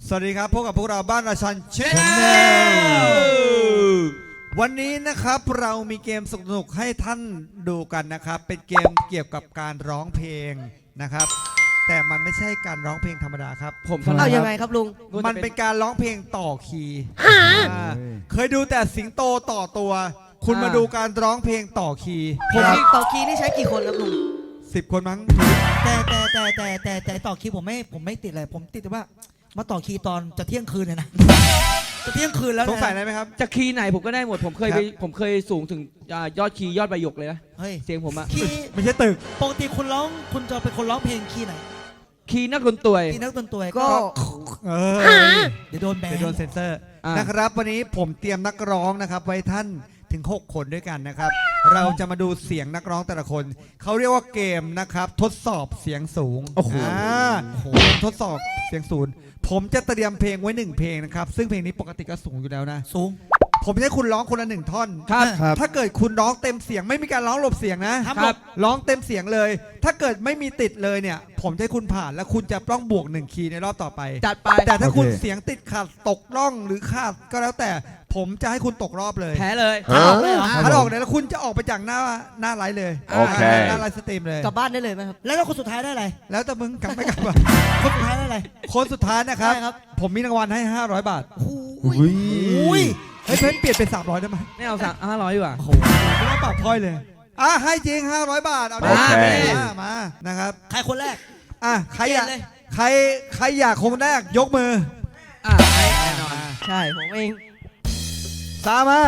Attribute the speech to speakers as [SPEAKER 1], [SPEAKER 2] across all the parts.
[SPEAKER 1] สวัสดีครับพบกับพวกเราบ้านราชันชแนลวันนี้นะครับเรามีเกมสนุกๆให้ท่านดูกันนะครับเป็นเกมเกี่ยวกับการร้องเพลงนะครับแต่มันไม่ใช่การร้องเพลงธรรมดาครับ
[SPEAKER 2] เอายังไงครับลุง
[SPEAKER 1] มันเป็นการร้องเพลงต่อคีย์เคยดูแต่สิงโตต่อตัวคุณมาดูการร้องเพลงต่อคีย์
[SPEAKER 2] ผมต่อคีย์นี่ใช้กี่คนครับลุง
[SPEAKER 1] 10 คนมั้ง
[SPEAKER 3] แต่ต่อคีย์ผมไม่ติดเลยผมติดแต่ว่ามาต่อคีย์ตอนจะเที่ยงคืนเลยนะจะเที่ยงคืนแล้ว
[SPEAKER 1] สงสัยอะไรไหมครับ
[SPEAKER 4] จะคีย์ไหนผมก็ได้หมดผมเคยสูงถึงยอดคีย์ยอดใบหยกเลยนะเสียงผมอะ
[SPEAKER 3] คีย์
[SPEAKER 1] ไม่ใช่ตึก
[SPEAKER 3] ปกติคุณจะเป็นคนร้องเพลงคีย์ไหน
[SPEAKER 4] คีย์นักดนตรี
[SPEAKER 3] คีย์นักดนตรี
[SPEAKER 2] ก็
[SPEAKER 3] เดี๋ยวโดนแบน
[SPEAKER 1] เดี๋ยวโดนเซ็นเซอร์นะครับวันนี้ผมเตรียมนักร้องนะครับไว้ท่านถึง6 คนด้วยกันนะครับเราจะมาดูเสียงนักร้องแต่ละคนเขาเรียกว่าเกมนะครับทดสอบเสียงสูงเกมทดสอบเสียงสูงผมจะเตรียมเพลงไว้1 เพลงนะครับซึ่งเพลงนี้ปกติก็สูงอยู่แล้วนะ
[SPEAKER 3] สูง
[SPEAKER 1] ผมจะให้คุณร้องคนละ1 ท่อนถ้าเกิดคุณร้องเต็มเสียงไม่มีการร้องหลบเสียงนะครับร้องเต็มเสียงเลยถ้าเกิดไม่มีติดเลยเนี่ยผมจะให้คุณผ่านแล้วคุณจะต้องบวก1 คีย์ในรอบต่อไป
[SPEAKER 4] จัดไป
[SPEAKER 1] แต่ถ้าคุณเสียงติดขัดตกร่องหรือขาดก็แล้วแต่ผมจะให้คุณตกรอบเลย
[SPEAKER 4] แพ้เลย
[SPEAKER 1] ถ้าออกเลยแล้วคุณจะออกไปจากหน้าไลฟ์เลยหน้าไลฟ์สตรีมเลย
[SPEAKER 2] กลับบ้านได้เลยไหมครับ
[SPEAKER 3] แล้วคนสุดท้ายได้อะไร
[SPEAKER 1] แล้วแต่มึงกลับไม่กลับ
[SPEAKER 3] คนสุดท้ายได้อะไร
[SPEAKER 1] คนสุดท้ายนะครับผมมีรางวัลให้500 บาท
[SPEAKER 3] อุ้ย
[SPEAKER 1] เฮ้ยเพิ่นเปลี่ยนเป็น300ได้ไหม
[SPEAKER 4] ไม่เอา500ดีกว่า
[SPEAKER 1] โอ้โหไม่ต้องปรับถ้อยเลยให้จริง500 บาทเอามานะครับ
[SPEAKER 3] ใครคนแรก
[SPEAKER 1] ใครอยากคนแรกยกมือ
[SPEAKER 4] แน่นอน
[SPEAKER 2] ใช่ผมเอง
[SPEAKER 1] ตามมา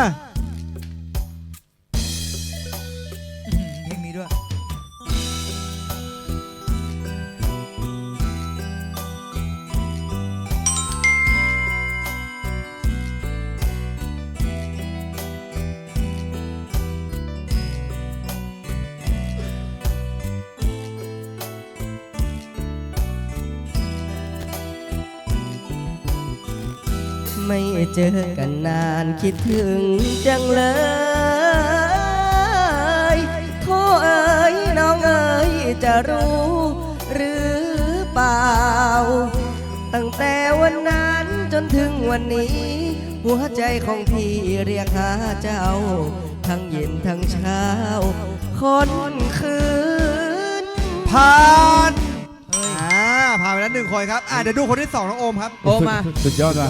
[SPEAKER 3] เพลงนี้ด้วย
[SPEAKER 2] ไม่เจอกันนานคิดถึงจังเลยโทษเอ๋ยน้องเอ๋ยจะรู้หรือเปล่าตั้งแต่วันนั้นจนถึงวันนี้หัวใจของพี่เรียกหาเจ้าทั้งเย็นทั้งเช้าคนคืน
[SPEAKER 1] ผ่านผ่านไปแล้ว1 คนครับเดี๋ยวดูคนที่2น้องโอมครับ
[SPEAKER 4] โอมมา
[SPEAKER 5] สุดยอดว่ะ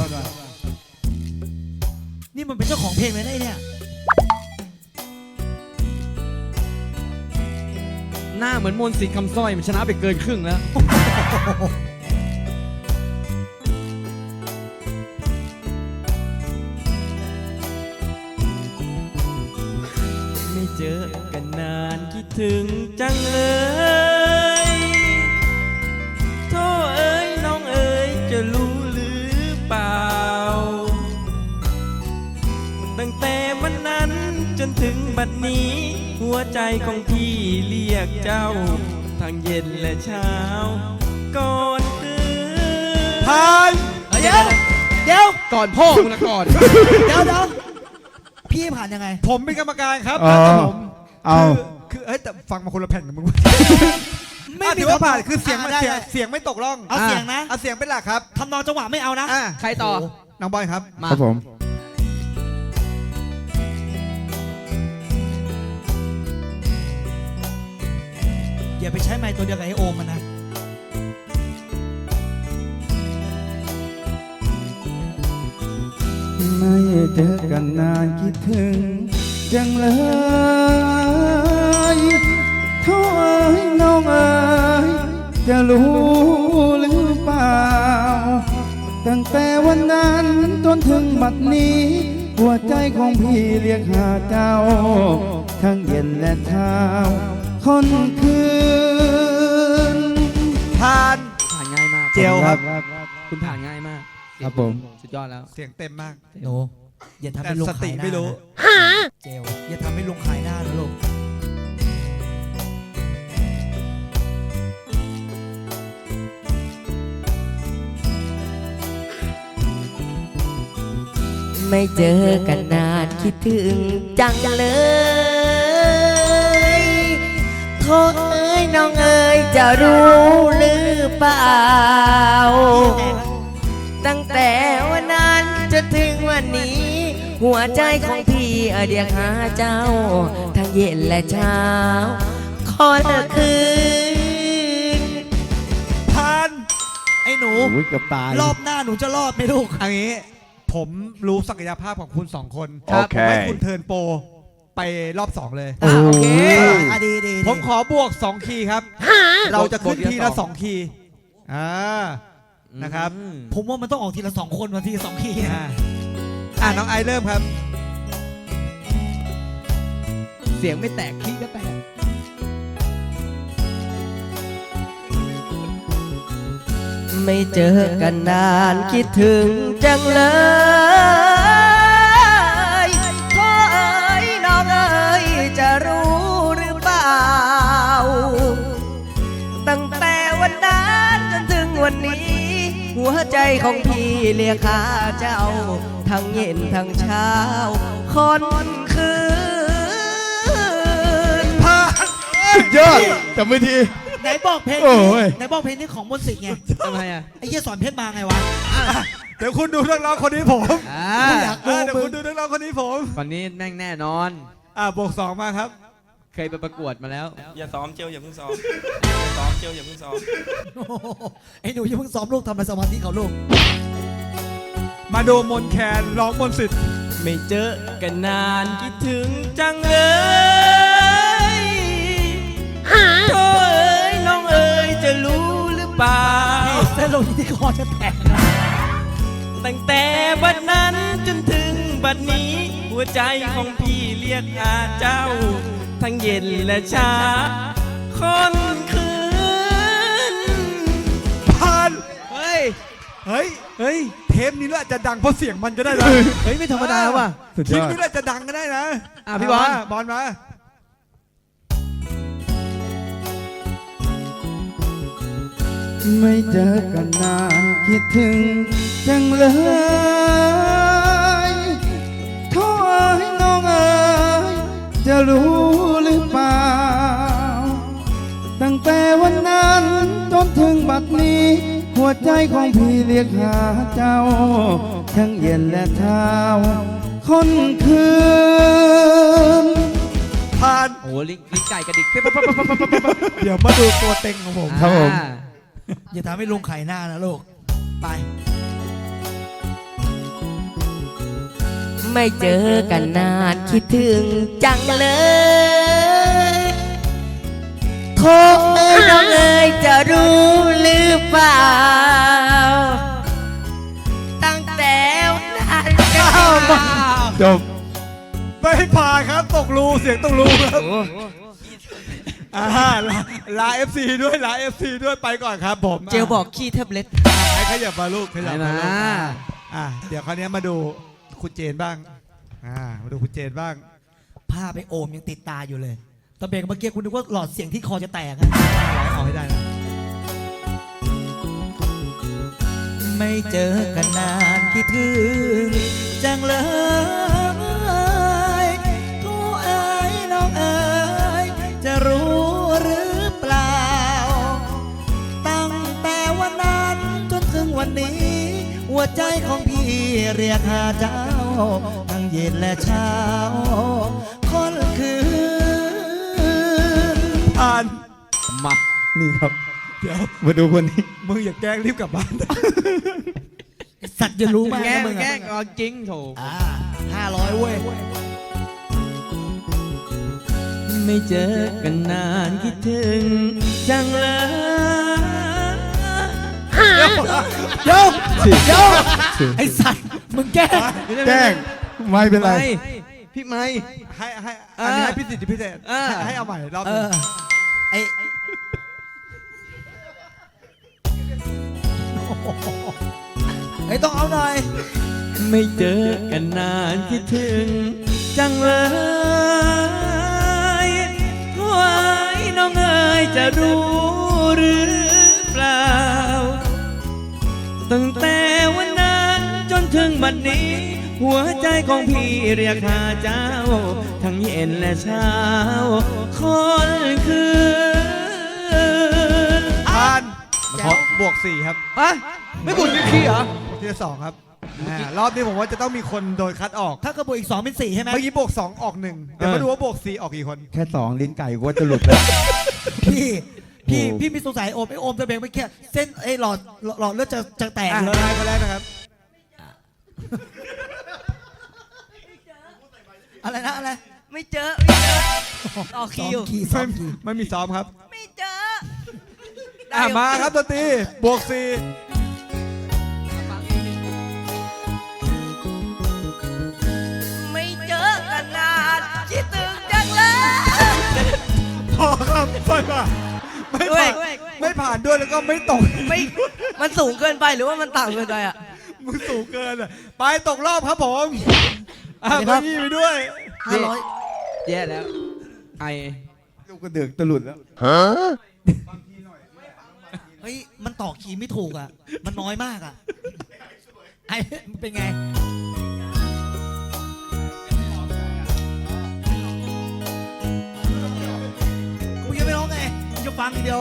[SPEAKER 3] นี่มันเป็นเจ้าของเพลงเลยได้เนี่ย
[SPEAKER 4] หน้าเหมือนมนต์สิทธิ์คำสร้อยมันชนะไปเกินครึ่งแล้ว
[SPEAKER 6] ไม่เจอกันนานคิดถึงจังเลยโธ่เอ๋ยน้องเอ๋ยจะรู้หรือเปล่าตั้งแต่วันนั้นจนถึงบัดนี้หัวใจของพี่เรียกเจ้าทั้งเย็นและเช้าก่อนคืน
[SPEAKER 1] ผ่าน
[SPEAKER 3] เดี๋ยว
[SPEAKER 4] ก่อนพ่อมึงละก่อน
[SPEAKER 3] เดี๋ยวพี่ผ่านยังไง
[SPEAKER 1] ผมเป็นกรรมการครับผมคือแต่ฟังมาคนละแผ่นกับมึงไม่ถือว่าผ่านคือเสียงไม่ตกร่อง
[SPEAKER 3] เอาเสียงนะ
[SPEAKER 1] เอาเสียงเป็นหลักครับ
[SPEAKER 3] ทำนองจังหวะไม่เอานะ
[SPEAKER 4] ใครต่อ
[SPEAKER 1] น้องบอยครับ
[SPEAKER 5] ครับผม
[SPEAKER 3] อย่าไปใช้ไม้ตัวเดียวกับไอโอมมันนะ
[SPEAKER 5] ไม่เจอกันนานคิดถึงจังเลยโทษเอ๋ยน้องเอ๋ยจะรู้หรือเปล่าตั้งแต่วันนั้นจนถึงบัดนี้หัวใจของพี่เรียกหาเจ้าทั้งเย็นและเช้าคนคืน
[SPEAKER 1] ผ่าน
[SPEAKER 4] ง่ายมาก
[SPEAKER 1] เจียวครับ
[SPEAKER 4] คุณผ่านง่ายมาก
[SPEAKER 5] ครับผม
[SPEAKER 4] สุดยอดแล้ว
[SPEAKER 1] เสียงเต็มมาก
[SPEAKER 3] โนอย่าทำให้ลุงขายหน้า
[SPEAKER 1] ไม่รู้
[SPEAKER 3] เจลอย่าทำให้ลุงขายหน้านะลูก
[SPEAKER 2] ไม่เจอกันนานคิดถึงจังเลยโทษเอ๋ยน้องเอ๋ยจะรู้หรือเปล่าตั้งหัวใจของพี่เรียกหาเจ้า ทั้งเย็นและเช้าขอเลิกคืน
[SPEAKER 1] ผ่าน
[SPEAKER 3] ไอ้หนู
[SPEAKER 5] โอ้ยเกือบตาย
[SPEAKER 3] รอบหน้าหนูจะรอดไหมลูก
[SPEAKER 1] อันนี้ผมรู้ศักยภาพของคุณสองคน
[SPEAKER 5] โอเค
[SPEAKER 1] ผมให้คุณเทิร์นโปรไปรอบ 2 เลย
[SPEAKER 3] อ่ะโอเค
[SPEAKER 1] โอ้ย
[SPEAKER 3] อ่ะดีดี
[SPEAKER 1] ผมขอบวก 2 คีย์ครับ เราจะขึ้นทีละ 2 คีย์นะครับ
[SPEAKER 3] ผมว่ามันต้องออกทีละ2 คนมาทีละ2 ที
[SPEAKER 1] น้องไอซ์เริ่มครับ
[SPEAKER 4] เสียงไม่แตกขี้ก็แตก
[SPEAKER 2] ไม่เจอกันนานคิดถึงจังเลย พ่อเอ๋ยน้องเอ๋ยจะรู้หรือเปล่า ตั้งแต่วันนั้นจนถึงวันนี้ หัวใจของพี่เรียกหาเจ้า ทั้งเย็นทั้งเช้าคนคืน
[SPEAKER 5] สุดยอดจำไม่ที
[SPEAKER 3] ไหนบอกเพลง
[SPEAKER 5] โอ้
[SPEAKER 3] นี้
[SPEAKER 5] ย
[SPEAKER 3] ไหนบอกเพลงนี้ของมนต์สิทธิ์ไง
[SPEAKER 4] ทำไมอ่ะ
[SPEAKER 3] ไอ้เหี้ยสอนเพชรมาไงวะ
[SPEAKER 1] เดี๋ยวคุณดูนักร้องคนนี้ผม
[SPEAKER 3] อยากดู
[SPEAKER 1] เดี๋ยวคุณดูนักร้องคนนี้ผม
[SPEAKER 4] วันนี้แม่งแน่นอน
[SPEAKER 1] บวก 2 มาครับ
[SPEAKER 4] เคยไปประกวดมาแล้ว
[SPEAKER 6] อย่าซ้อมเจียวอย่าเพิ่งซ้อมอย่าซ้อมเจียวอย่าเพิ่งซ้อม
[SPEAKER 3] โอ้โหไอ้หนูอย่าเพิ่งซ้อมลูกทำในสมาธิเขาลูก
[SPEAKER 1] มาดูมนแคนร้องมนต์สิทธิ์
[SPEAKER 6] ไม่เจอกันนานคิดถึงจังเลย โธ่เอ๋ยน้องเอ๋ยจะรู้หรือเปล่า
[SPEAKER 3] เส้นลงที่คอจะแตกนะ
[SPEAKER 6] ตั้งแต่บัดนั้นจนถึงบัดนี้ หัวใจของพี่เรียกหาเจ้า ทั้งเย็นและเช้าค่ำคืน
[SPEAKER 1] ผ่าน
[SPEAKER 4] เฮ้ย
[SPEAKER 1] เฮ้ย
[SPEAKER 4] เฮ้ย
[SPEAKER 1] เทปนี้แหละจะดังเพราะเสียงมันก็ได้นะ
[SPEAKER 4] เฮ้ย ไม่ธรรมดาว่ะ
[SPEAKER 5] สุด
[SPEAKER 1] คลิ
[SPEAKER 5] ย
[SPEAKER 1] ป
[SPEAKER 5] อด
[SPEAKER 1] นี้แหละจะดังก็ได้นะ
[SPEAKER 4] พี่บอล
[SPEAKER 1] บอลมา
[SPEAKER 5] ไม่เจอกันนานคิดถึงจังเลยโทษให้น้องเอ๋ยจะรู้หรือเปล่า ตั้งแต่วันนั้นจนถึงบัดนี้ หัวใจของพี่เรียกหาเจ้า ทั้งเย็นและเช้าคนคืน
[SPEAKER 1] ผ่าน
[SPEAKER 4] โอ้โหลิงไก่กระดิกปิ๊บปิ๊บปิ๊บปิ๊บปิ๊บปิ๊บ
[SPEAKER 1] เดี๋ยวมาดูตัวเต็งของผม
[SPEAKER 5] ครับผม
[SPEAKER 4] อ่า
[SPEAKER 3] อย่าทำให้ลุงไข่หน้านะลูก ไป
[SPEAKER 2] ไม่เจอกันนานคิดถึงจังเลยโทษเอ้ยน้องเอ้ยจะรู้หรือเปล่า ตั้งแต่วันนั้นจนถึง
[SPEAKER 5] จบ
[SPEAKER 1] ไม่ผ่านครับตกรูเสียงตกรูครับลา FC ด้วยลา FC ด้วยไปก่อนครับผม
[SPEAKER 2] เจลบอกขี้แท็บเล็ต
[SPEAKER 1] ให้ขยับมาลูกขยับมาลูก
[SPEAKER 4] มา
[SPEAKER 1] เดี๋ยวคราวนี้มาดูคุณเจนบ้างมาดูคุณเจนบ้าง
[SPEAKER 3] ผ้าไปโอมยังติดตาอยู่เลยตอนเบรกเมื่อกี้คุณนึกว่าหลอดเสียงที่คอจะแตกอะ
[SPEAKER 1] เอาให้ได้นะ
[SPEAKER 3] ไม่เจอกันนานคิดถึงจังเลยโธ่เอ๋ยน้องเอ๋ยจะรู้หรือเปล่า ตั้งแต่วันนั้นจนถึงวันนี้ หัวใจของพี่เรียกหาเจ้า ทั้งเย็นและเช้าคนคืน
[SPEAKER 1] ผ่าน
[SPEAKER 4] มา
[SPEAKER 5] นี่ครับ
[SPEAKER 1] เดี๋ยว
[SPEAKER 5] มาดูคนนี้
[SPEAKER 1] มึงอย่าแกล้งรีบกลับบ้าน
[SPEAKER 3] สัตว์จะรู้มาก
[SPEAKER 4] แกล้
[SPEAKER 3] นะ
[SPEAKER 4] ง
[SPEAKER 3] มึง
[SPEAKER 4] แกล้ง
[SPEAKER 3] อะ
[SPEAKER 4] เอาจริงโถ
[SPEAKER 3] 500เว้ย
[SPEAKER 6] ไม่เจอกันนานคิดถึงจังเลย
[SPEAKER 3] โยกไอสัตว์มึงแกล้ง
[SPEAKER 5] แกล้งไม่เป็นไร
[SPEAKER 4] ไม่พี่ไม่
[SPEAKER 1] ให้อันนี้ให้พิเศษพิเศษ
[SPEAKER 4] อ่า
[SPEAKER 1] ให้เอาใหม่รอบ
[SPEAKER 3] เอ
[SPEAKER 1] นึง
[SPEAKER 3] อไอไอต้องเอาหน่อย
[SPEAKER 6] ไม่เจอกันนานคิดถึงจังเลยโถ่เอ้ยน้องเอ๋ยจะรู้หรือเปล่า ตั้งแต่วันนั้นจนถึงบัดนี้ หัวใจของพี่เรียกหาเจ้า ทั้งเย็นและเช้าคนคืน
[SPEAKER 1] ผ่านขอบวก 4 ครับ
[SPEAKER 4] อะไม่บุญขี้เหรอ
[SPEAKER 1] ทีละ2ครับรอบนี้ผมว่าจะต้องมีคนโดนคัดออก
[SPEAKER 3] ถ้ากระบวกอีก 2 เป็น 4 ใช่ไหม
[SPEAKER 1] เมื่อกี้บวก 2 ออก 1 เดี๋ยวมาดูว่าบวก 4 ออกกี่คน
[SPEAKER 5] แค่สองลิ้นไก่กูว่าจะหลุดแล้ว
[SPEAKER 3] พี่มีสงสัยโอมไอโอมจะเบงไปแค่เส้นไอหลอดเลือดจะแตก
[SPEAKER 1] อ่ะ
[SPEAKER 3] เลย
[SPEAKER 1] นายคนแรกนะครับ
[SPEAKER 3] อะไรนะอะไร
[SPEAKER 2] ไม่เจอต่อคิว
[SPEAKER 3] ซ้อมคีย์
[SPEAKER 1] ไม่มีซ้อมครับ
[SPEAKER 2] ไม่เจอ
[SPEAKER 1] มาครับดนตรีบวก 4
[SPEAKER 2] ไม่เจอกันนานคิดถึงจังเลย
[SPEAKER 1] พอครับไม่ผ่านไม่ผ่านด้วยแล้วก็ไม่ตก
[SPEAKER 2] ไม่มันสูงเกินไปหรือว่ามันต่ำเกินไปอ่ะ
[SPEAKER 1] มึงสูงเกินอ่ะไปตกรอบครับผมเก้าอี้ไปด้วย
[SPEAKER 3] 500
[SPEAKER 4] แย่แล้ว ไอ
[SPEAKER 5] ลูกกระเดือกจะหลุดแล้ว
[SPEAKER 3] เฮ้ยมันต่อคีย์ไม่ถูกอ่ะ มันน้อยมากอ่ะไอเป็นไงกูยังไม่ร้องไงกูจะฟังอย่างเดียว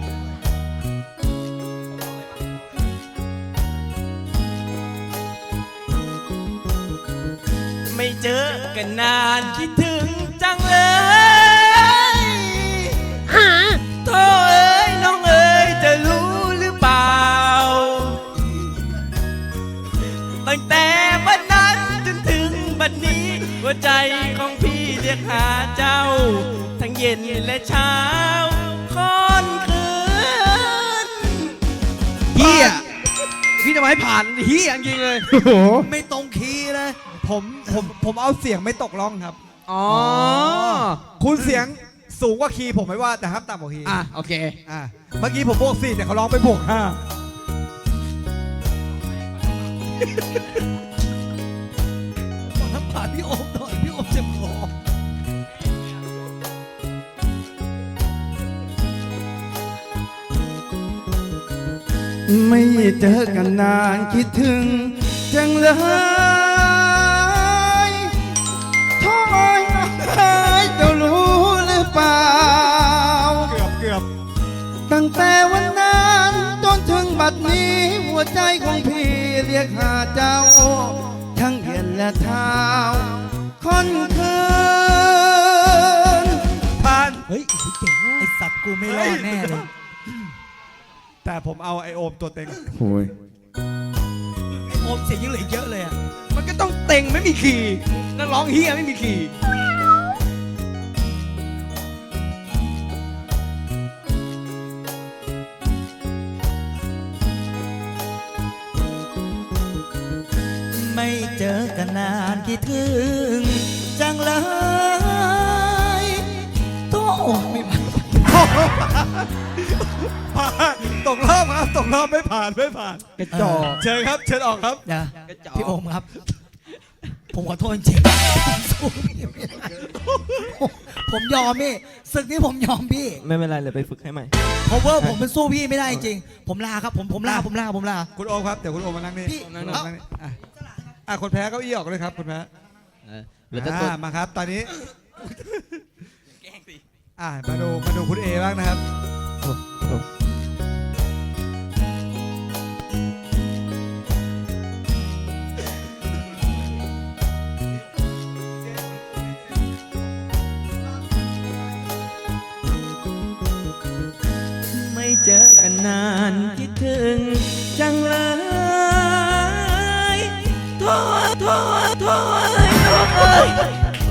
[SPEAKER 6] ไม่เจอกันนานคิดถึงจังเลยโธ่เอ้ยน้องเอ้ยจะรู้หรือเปล่า ตั้งแต่วันนั้นจนถึงบัดนี้ หัวใจของพี่เรียกหาเจ้า ทั้งเย็นและเช้าค่อนคืน
[SPEAKER 4] เฮียพี่จะมาให้ผ่านเฮียจริงๆเลย
[SPEAKER 5] โอ้โห
[SPEAKER 3] ไม่ตรงคีย์เลย
[SPEAKER 1] ผมเอาเสียงไม่ตกร่องครับ
[SPEAKER 4] อ๋อ
[SPEAKER 1] คุณเสียงสูงกว่าคีย์ผมไม่ว่าแต่ห้ามต่ำกว่าคีย์
[SPEAKER 4] อ่ะ โอเค
[SPEAKER 1] เมื่อกี้ผมบวก 4 แต่เขาร้องไปบวก
[SPEAKER 3] ขอน้ำผ่านพี่โอมหน่อยพี่โอมเจ็บคอ
[SPEAKER 5] ไม่เจอกันนานคิดถึงจังเลยโท้อยจะรู้หรือเปล่า
[SPEAKER 1] เกือบ
[SPEAKER 5] ตั้งแต่วันนั้นจนถึงบัดนี้ หัวใจของพี่เรียกหาเจ้า ทั้งเย็นและเท้าค่อนคืน
[SPEAKER 1] ผ่าน
[SPEAKER 3] เฮ้ยเก่งไอสัตว์กูไม่รอดแน่เลย
[SPEAKER 1] แต่ผมเอาไอโอมตัวเต็ง
[SPEAKER 5] โอ้ย
[SPEAKER 3] ไอโอมเสียงยังเหลือเยอะเลยอ่ะ
[SPEAKER 4] มันก็ต้องเต็งไม่มีคีย์นักร้องเฮียไม่มีคีย์
[SPEAKER 3] ไม่เจอกันนานคิดถึงจังเลยโต้ไม่ผ่าน
[SPEAKER 1] ผ่านตกรอบครับตกรอบไม่ผ่าน
[SPEAKER 4] กระจอก
[SPEAKER 1] เชิญครับเชิญออกครับ
[SPEAKER 3] นะ
[SPEAKER 4] กระจอก
[SPEAKER 3] พี่โอมครับ ผมขอโทษจริงๆผมสู้พี่ไม่ได้ผมยอมพี่ศึกนี้ผมยอมพี่
[SPEAKER 6] ไม่เป็นไรเลยไปฝึกให้ใหม่
[SPEAKER 3] เพราะว่าผมมันสู้พี่ไม่ได้จริงผมลาครับผมลา
[SPEAKER 1] คุณโอมครับเดี๋ยวคุณโอมมานั่งนี่
[SPEAKER 3] พี่
[SPEAKER 1] มานั่งนี่คนแพ้เก้าอี้ออกเลยครับคุณแพ้
[SPEAKER 4] เหลือแต่ตัว
[SPEAKER 1] มาครับ ตอนนี้มาดูคุณเอบ้างนะครับ
[SPEAKER 6] ไม่เจอกันนานคิดถึงจังเลยโถ่เอ้ย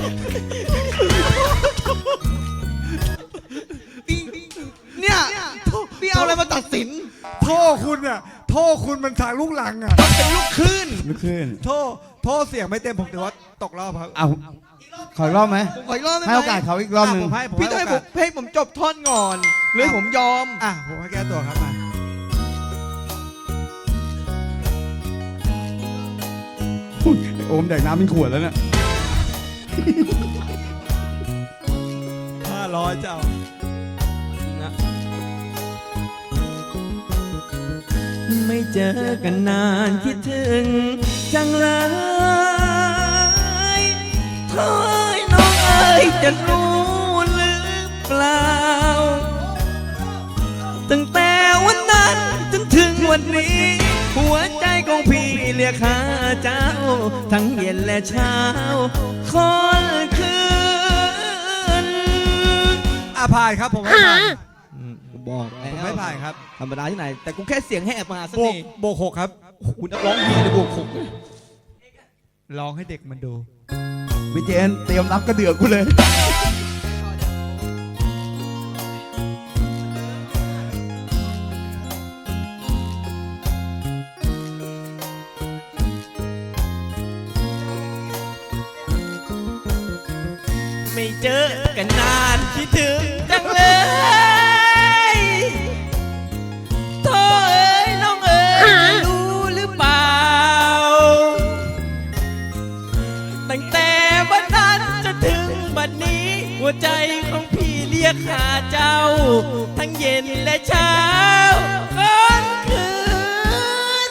[SPEAKER 4] เนี่ยพี่เอาอะไรมาตัดสิน
[SPEAKER 1] โทษคุณอ่ะโทษคุณมันทางลูกหลังอ่ะ
[SPEAKER 4] เป็นลูกคลื่น
[SPEAKER 5] ลุกขึ้น
[SPEAKER 1] โทษเสียงไม่เต็มผมถือว่าตกรอบครับ
[SPEAKER 5] เอาขออีกรอบไหม
[SPEAKER 4] ผมขออีกรอบได้ไหม
[SPEAKER 5] ให้โอกาสเขาอีกรอบหนึ่ง
[SPEAKER 1] ผมให้
[SPEAKER 4] พี่ต้องให้ผมให้ผมจบท่อนก่อนเลยผมยอม
[SPEAKER 1] ผมให้แก้ตัวครับมา
[SPEAKER 5] อุ๊ยโอมแดกน้ำเป็นขวดแล้วเนี่ย
[SPEAKER 1] 500เจ้า
[SPEAKER 6] ไม่เจอกันนานคิดถึงจังเลยโถ่เอ้ยน้องเอ้ยจะรู้หรือเปล่า ตั้งแต่วันนั้นจนถึงวันนี้ หัวใจของพี่เรียกหาเจ้า ทั้งเย็นและเช้าค่อนคืน
[SPEAKER 1] ผ่านครับผมไม่ผ่าน
[SPEAKER 4] บอก
[SPEAKER 1] ผมไม่ผ่านครับ
[SPEAKER 4] ธรรมดาที่ไหน แต่กูแค่เสียงแหบมาสัก
[SPEAKER 1] โบก
[SPEAKER 4] ที
[SPEAKER 1] โบกหกครับ
[SPEAKER 4] คุณนักร้องดีเลยบวกหก
[SPEAKER 1] ร้องให้เด็กมันดู
[SPEAKER 5] วิเจนเตรียมรับกระเดือกกูเลย
[SPEAKER 6] ไม่เจอกันนานคิดถึงจังเลยโธ่เอ้ยน้องเอ้ยรู้หรือเปล่า ตั้งแต่วันนั้นจนถึงบัดนี้ หัวใจของพี่เรียกหาเจ้า ทั้งเย็นและเช้าค่อนคืน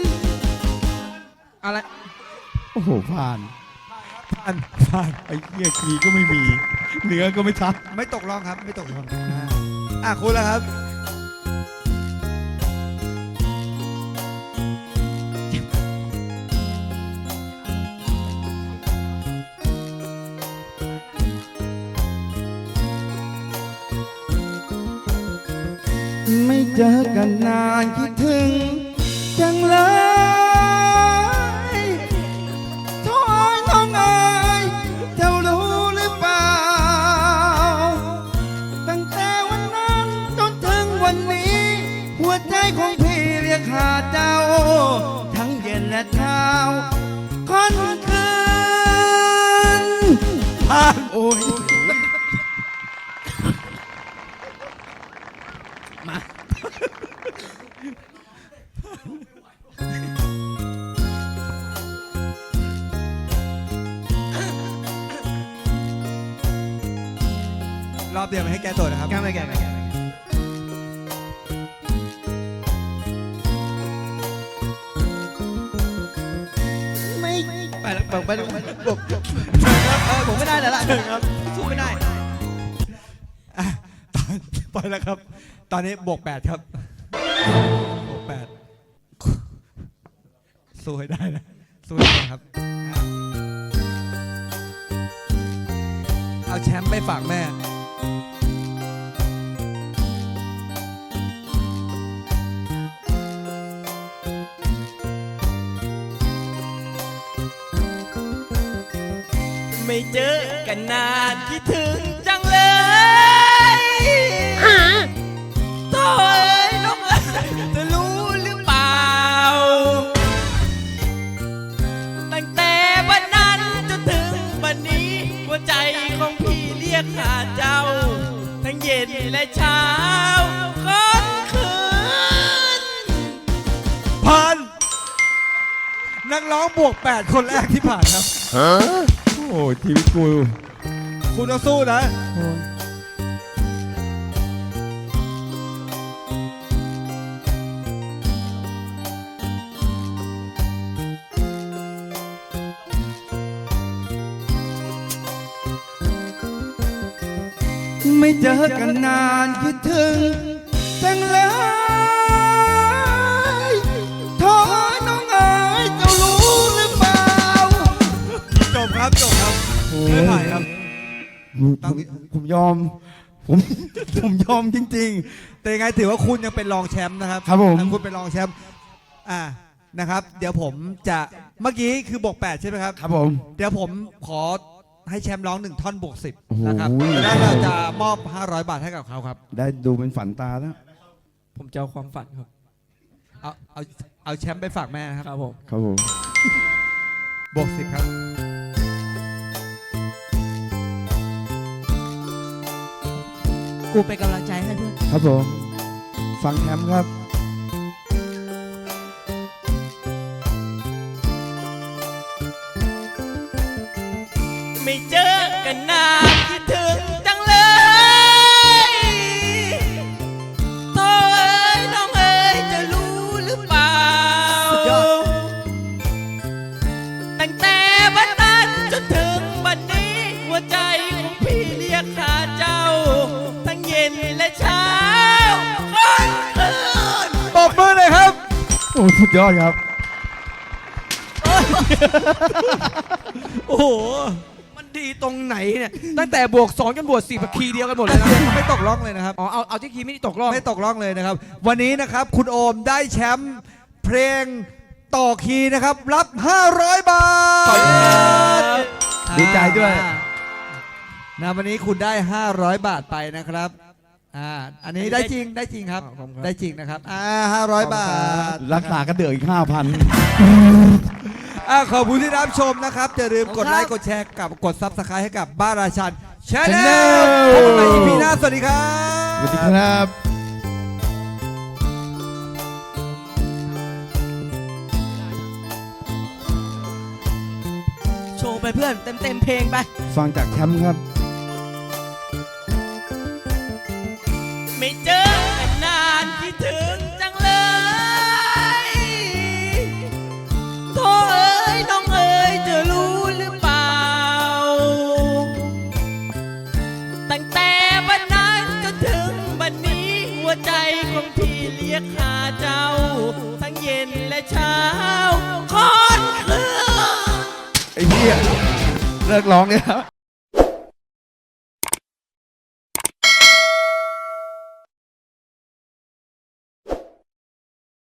[SPEAKER 4] อะไร
[SPEAKER 5] โอ้โห ผ่าน ผ่าน ไอ้เหี้ยคีย์ก็ไม่มี เนื้อก็ไม่ชัด
[SPEAKER 1] ไม่ตกลองครับ ไม่ตกลองคุณแล้วครับ
[SPEAKER 5] ไม่เจอกันนานคิดถึงจังเลย โถ่น้องเอ๋ยเจ้ารู้หรือเปล่า ตั้งแต่วันนั้นจนถึงวันนี้ หัวใจของพี่เรียกหาเจ้า ทั้งเย็นและเช้าค่อนคืนผ่านโอ้ย
[SPEAKER 1] รอบเดียวไม่ให้แก้ตัวนะครับ
[SPEAKER 4] แก้ไม่แก้ไม่แก้
[SPEAKER 5] ไม่
[SPEAKER 4] ไปแล้วไปแล้วผมไม่ได้แล้วล่ะสู้ไม่ได้
[SPEAKER 1] ไปแล้วครับ ตอนนี้บวก 8 ครับ บวก 8 สู้ให้ได้นะ สู้ให้ได้ครับ เอาแชมป์ไปฝากแม่
[SPEAKER 6] ไม่เจอกันนานคิดถึงจังเลย โธ่เอ้ยน้องเอ้ยจะรู้หรือเปล่า ตั้งแต่วันนั้นจนถึงวันนี้ หัวใจของพี่เรียกหาเจ้า ทั้งเย็นและเช้าค่อนคืน
[SPEAKER 1] ผ่าน นักร้องบวก 8 คนแรกที่ผ่านครับ
[SPEAKER 5] โอ้ชีวิตกู
[SPEAKER 1] คุณต้องสู้นะ
[SPEAKER 5] ไม่เจอกันนานคิดถึงจังเลยโถ่น้องเอ๋ยเจ้ารู้หรือเปล่า
[SPEAKER 1] จบครับ จบครับ ไม่ผ่านครับ
[SPEAKER 5] ผมยอม ผมยอมจริง
[SPEAKER 1] แต่ยังไงถือว่าคุณยังเป็นรองแชมป์นะครับ
[SPEAKER 5] ครับผม
[SPEAKER 1] คุณเป็นรองแชมป์นะครับ เดี๋ยวผมจะเมื่อกี้คือบวก 8 ใช่ไหมครับ
[SPEAKER 5] ๆ ครับผม
[SPEAKER 1] เดี๋ยวผมขอให้แชมป์ร้อง1 ท่อนบวก
[SPEAKER 5] โอ้โห
[SPEAKER 1] 10นะครับแล้วเราจะมอบ 500 บาทให้กับเขาครับ
[SPEAKER 5] ได้ดูเป็นฝันตาแล้ว
[SPEAKER 6] ผมจะเอาความฝันครับ
[SPEAKER 1] เอาแชมป์ไปฝากแม่นะครับ
[SPEAKER 6] ครับผม
[SPEAKER 5] ครับผม
[SPEAKER 1] บวก 10 ครับ
[SPEAKER 2] กูเป็นกำลังใจให้เพื่อน
[SPEAKER 5] ครับผม ฟังแคมป์ครับ
[SPEAKER 6] ไม่เจอกันนานคิดถึงจังเลย โธ่เอ้ยน้องเอ้ยจะรู้หรือเปล่า ตั้งแต่วันนั้นจนถึงวันนี้ หัวใจของพี่เรียกหาเจ้า ทั้งเย็นและเช้าค่อนคืน
[SPEAKER 1] ตบมือเลยครับ
[SPEAKER 5] โอ้สุดยอดครับ
[SPEAKER 4] โอ้โห มันดีตรงไหนเนี่ย ตั้งแต่บวก 2 จนบวก 4คีย์เดียวกันหมดเลยนะ
[SPEAKER 1] ไม่ตกล่องเลยนะครับ
[SPEAKER 4] อ๋อ เอาที่คีย์ไม่ได้ตกรอบ
[SPEAKER 1] ไม่ตกล่องเลยนะครับ วันนี้นะครับคุณโอมได้แชมป์เพลงต่อคีย์นะครับ รับ 500 บาท
[SPEAKER 4] ขอบคุณครับ
[SPEAKER 5] ดีใจด้วย
[SPEAKER 1] นะวันนี้คุณได้ 500 บาทไปนะครับอันนี้ได้จริงได้จริงครับ
[SPEAKER 4] ขอบคุณครับ
[SPEAKER 1] ได้จริงนะครับ500 บาท
[SPEAKER 5] รักษากันเดืออีก 5,000
[SPEAKER 1] ขอบคุณที่รับชมนะครับอย่าลืมกดไลค์กดแชร์กับกดซับสไครต์ให้กับบ้านราชันชาแนล
[SPEAKER 5] Channel
[SPEAKER 1] พบกันใหม่ EP หน้าสวัสดีครับ
[SPEAKER 5] สวัสดีครับ
[SPEAKER 2] โชว์ไปเพื่อนเต็มเพลงไป
[SPEAKER 5] ฟังจากแชมป์ครับ
[SPEAKER 6] ไม่เจอกันนานคิดถึงจังเลยโธ่เอ้ยน้องเอ้ยจะรู้หรือเปล่า ตั้งแต่วันนั้นจนถึงวันนี้หัวใจของพี่เรียกหาเจ้า ทั้งเย็นและเช้าคอนคืน
[SPEAKER 5] ไอ้เหี้ยเลิกร้องเนี่ย